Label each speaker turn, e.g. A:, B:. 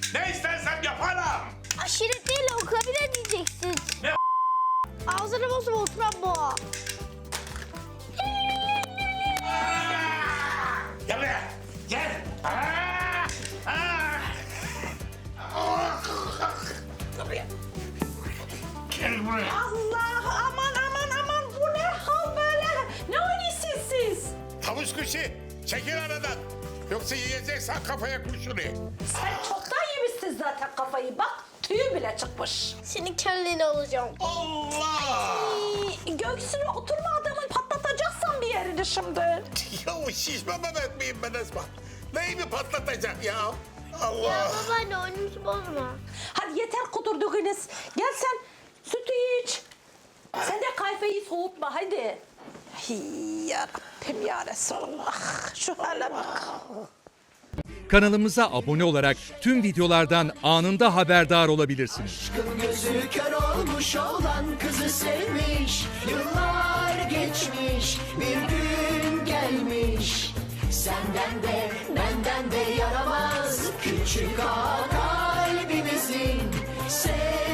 A: Ne istersem yaparım.
B: Aşiret değil okula bile diyeceksin.
A: Ne?
B: Ağzını bozma oturan boğa.
A: Gel buraya. Gel. Gel buraya. Gel buraya.
C: Allah aman bu ne hal böyle? Ne oynuyorsunuz siz?
A: Tavus kuşu. Çekil aradan. Yoksa yiyeceksen kafaya kurşunu.
C: Sen çoktan yemişsin zaten kafayı bak tüyü bile çıkmış.
B: Senin kelleni alacağım.
A: Allah!
C: Göğsüne oturma adamın patlatacaksan bir yerini şimdi.
A: Ya o şişme Mehmet miyim ben Esma? Neyimi patlatacak ya?
B: Ya
A: Allah!
B: babaanne oyunumuzu bozma.
C: Hadi yeter kudurduğunuz. Gel sen sütü iç. Sen de kahveyi soğutma hadi. Hey, ya Rabbim ya Resulallah. Şu hale bak.
D: Kanalımıza abone olarak tüm videolardan anında haberdar olabilirsiniz.
E: Aşkın gözü kör olmuş olan kızı sevmiş. Yıllar geçmiş bir gün gelmiş. Senden de benden de yaramaz küçük ağa kalbimizin.